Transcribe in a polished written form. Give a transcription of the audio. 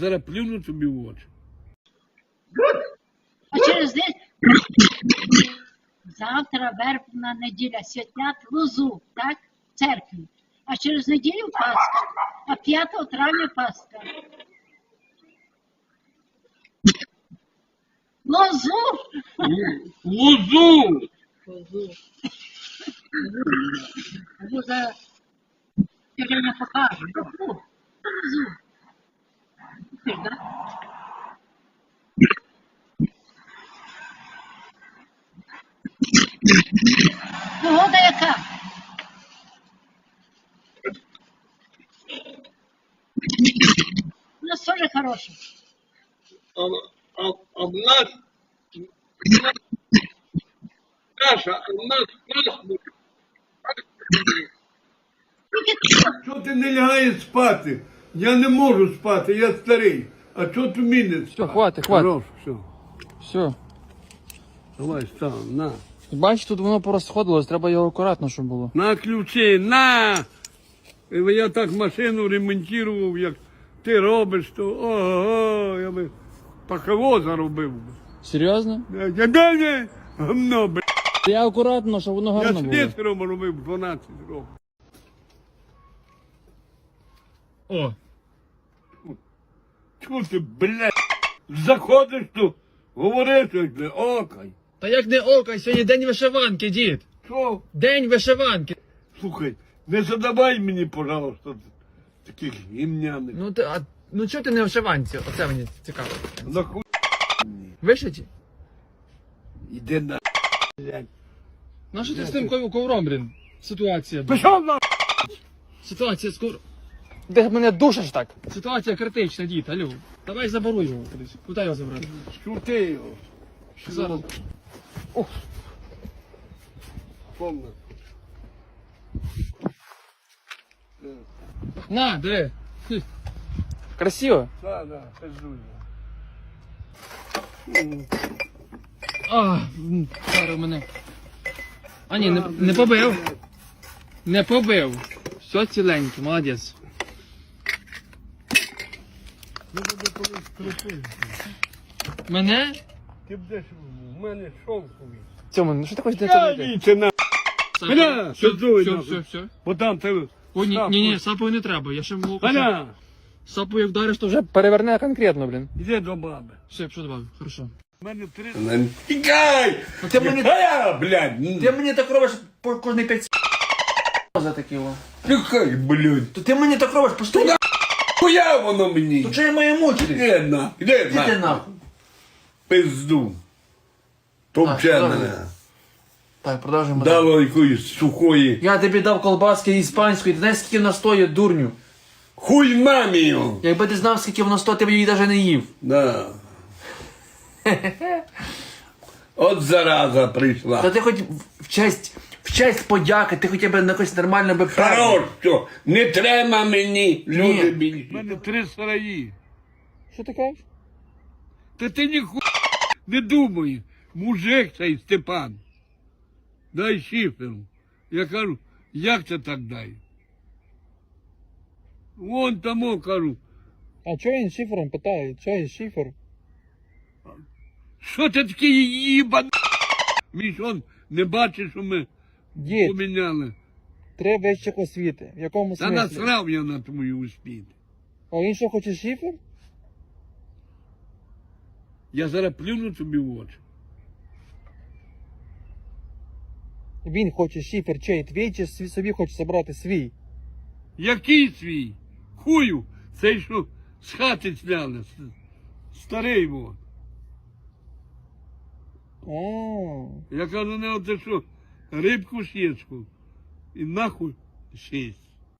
зараз плюну тобі в очі. А через день завтра вербна неділя святять лозу, так? В церкві. А через неділю Пасха, а 5 травня Пасха. Лозу! Лозу! Лозу. Лоза сьогодні покаже. Лозу. Ти, да? Погода яка? У нас теж хороша. А в нас каша, а в нас пасмурно. Чого ти не лягаєш спати? Я не можу спати, я старий. А чого ти міниш? Все, хватить, хватить. Хорош, все. Все. Давай, став, на. Бачиш, тут воно порозходилось, треба його акуратно, щоб було. На ключі, на! Я так машину ремонтував, як ти робиш, то ого, я би паково заробив. Серйозно? Я гамно, б***. Я акуратно, щоб воно Я гарно було. слесарем робив 12 років. О, Чого ти, блядь, заходиш тут, говориш, як не окай. та як не око, сьогодні день вишиванки, дід. Що? День вишиванки. Слухай, не задавай мені, пожалуйста, таких гімняних. Ну чого ти не в вишиванці? Оце мені цікаво. Нахуй, Вишиті? іди на, блядь. Ну що ти з тим ковром, блін? Ситуація. Пішов на, Ситуація з ковром. Де мене душиш так? Ситуація критична, дід, алло. Давай заборуй його кудись. Куди його забрати? шути його. Зараз. Помни. На, диви. Хм. Красиво. Да, пиздуй. Зараз мене. А ні, не побив. Не побив. Все ціленьке, молодець. Мене? Ти будеш в мене шовковий. Цьому, ну що ти хочеш Я зробити? віце на. Аля, Все, пиздуй все, нахуй. все, все. Бо там ти... О, ні, сапою не треба, я ще можу. Аля, Сапою як вдариш, то вже переверне конкретно, блін. іди до баби. Все, що добавив, хорошо. У мене 3... Тікай! Ну ти мені, Аля, блядь! ти мені так робиш по кожний 5 за такі о. Тікай, блядь! То ти мені так робиш постійно. Хуя воно мені! То чого я маю мучитись? Іди на, іди Ти на. нахуй. Пизду. Топче Так, мене. Так, продовжуємо. далі. Дало якоїсь сухої. Я тобі дав колбаски іспанської, ти знаєш, скільки вона стоїть, дурню? Хуй мамі його! Якби ти знав, скільки воно стоїть, ти б її навіть не їв. Да. От зараза прийшла. Та ти хоч в честь подяки, ти хоча б на якось нормально би Хорош, що не треба мені, люди Ні. більші. У мене 3 сараї. Що ти кажеш? Та ти ніхуя не думай, мужик цей Степан. Дай шифер. Я кажу, як це так дай? Вон тому кажу, А чого він шифером питає? Чого він шифер? що ти такий їбан? Між он не бачиш, що ми Дід, поміняли. 3 вищих освіти. В якому Та смислі? насрав я на твою успіх. А він що хоче шифер? Я зараз плюну тобі в очі. Він хоче шифер чей твій, чи собі хоче забрати свій? Який свій? Хую, цей що з хати зняли, старий вот. Я кажу, не оце що, рибку сєчку і нахуй 6.